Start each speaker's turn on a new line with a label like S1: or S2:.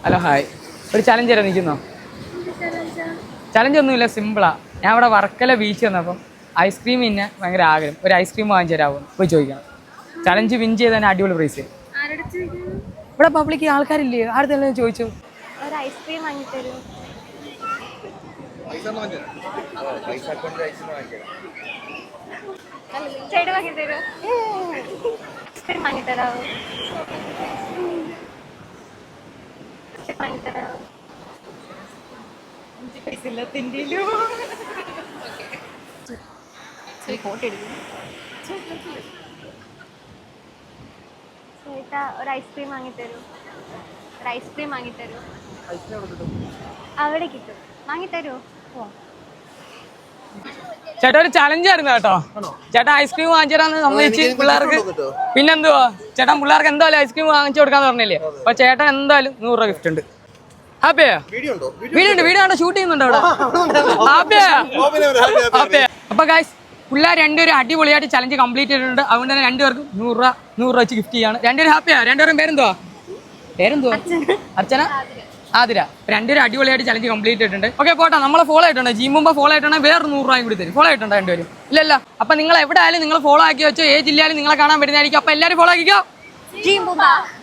S1: Hello hi. ഒരു challenge തരാൻ നിൽക്കുന്നോ? Challenge ഒന്നുമില്ല, സിമ്പിളാ. ഞാൻ ഇവിടെ വർക്കല ബീച്ച് വന്നപ്പം ഐസ്ക്രീം പിന്നെ ഭയങ്കര ആഗ്രഹം. ഒരു ഐസ്ക്രീം വാങ്ങിച്ചു തരാമോ പോയി ചോദിക്കണം. ചലഞ്ച് വിൻ ചെയ്ത് തന്നെ അടിപൊളി പ്രൈസ്. ഇവിടെ പബ്ലിക് ആൾക്കാരില്ലേ, ആരുടെ ചോദിച്ചു.
S2: ഒരു ഐസ്ക്രീം വാങ്ങിത്തരൂ. ചേട്ടൻ വാങ്ങിത്തരൂ. ഐസ്ക്രീം വാങ്ങിത്തരാവോ? വാങ്ങിത്തരാവോ? ചേട്ടാ ഒരു ഐസ്ക്രീം വാങ്ങിത്തരൂ. ഒരു ഐസ്ക്രീം വാങ്ങിത്തരൂ. അവിടെ കിട്ടും, വാങ്ങിത്തരൂ.
S1: ചേട്ടാ ഒരു ചലഞ്ച് ആയിരുന്നു കേട്ടോ. ചേട്ടാ ഐസ്ക്രീം വാങ്ങിച്ചു തരാന്ന് സമ്മതിച്ച് പിള്ളേർക്ക്. പിന്നെന്തുവാ ചേട്ടാ, പിള്ളേർക്ക് എന്തായാലും ഐസ്ക്രീം വാങ്ങിച്ചു കൊടുക്കാന്ന് പറഞ്ഞില്ലേ. അപ്പൊ ചേട്ടൻ എന്തായാലും 100 രൂപ ഗിഫ്റ്റ് ഉണ്ട്. ഹാപ്പിയാ? വീഡിയോ ഉണ്ട്, വീഡിയോ ആണ്, ഷൂട്ട് ചെയ്യുന്നുണ്ട് അവിടെ. ഹാപ്പിയാ? അപ്പൊ ഗൈസ്, പിള്ളേർ രണ്ടുപേരും അടിപൊളിയായിട്ട് ചലഞ്ച് കംപ്ലീറ്റ് ചെയ്തിട്ടുണ്ട്. അതുകൊണ്ട് തന്നെ രണ്ടുപേർക്കും 100 രൂപ വെച്ച് ഗിഫ്റ്റ് ചെയ്യാണ്. രണ്ടുപേരും ഹാപ്പിയാ? രണ്ടുപേരും പേരെന്തുവാ? അർച്ചന, ആതിര. രണ്ടുപേരും അടിപൊളിയായിട്ട് ചലഞ്ച് കംപ്ലീറ്റ് ചെയ്തിട്ടുണ്ട്. ഓക്കെ പോട്ടെ, നമ്മളെ ഫോളോ ആയിട്ടുണ്ട്. ജിമ്മുമ്പോ ഫോളോ ആയിട്ടുണ്ടെങ്കിൽ വേറെ 100 രൂപയും കൂടി തരും. ഫോളോ ആയിട്ടുണ്ട് രണ്ടുപേരും? ഇല്ലല്ല. അപ്പൊ നിങ്ങൾ എവിടെ ആയാലും നിങ്ങൾ ഫോളോ ആക്കി വെച്ചോ. ഏത് ജില്ലയിലും നിങ്ങളെ കാണാൻ വരുന്നതായിരിക്കും. അപ്പൊ എല്ലാവരും ഫോളോ ആക്കിക്കോ.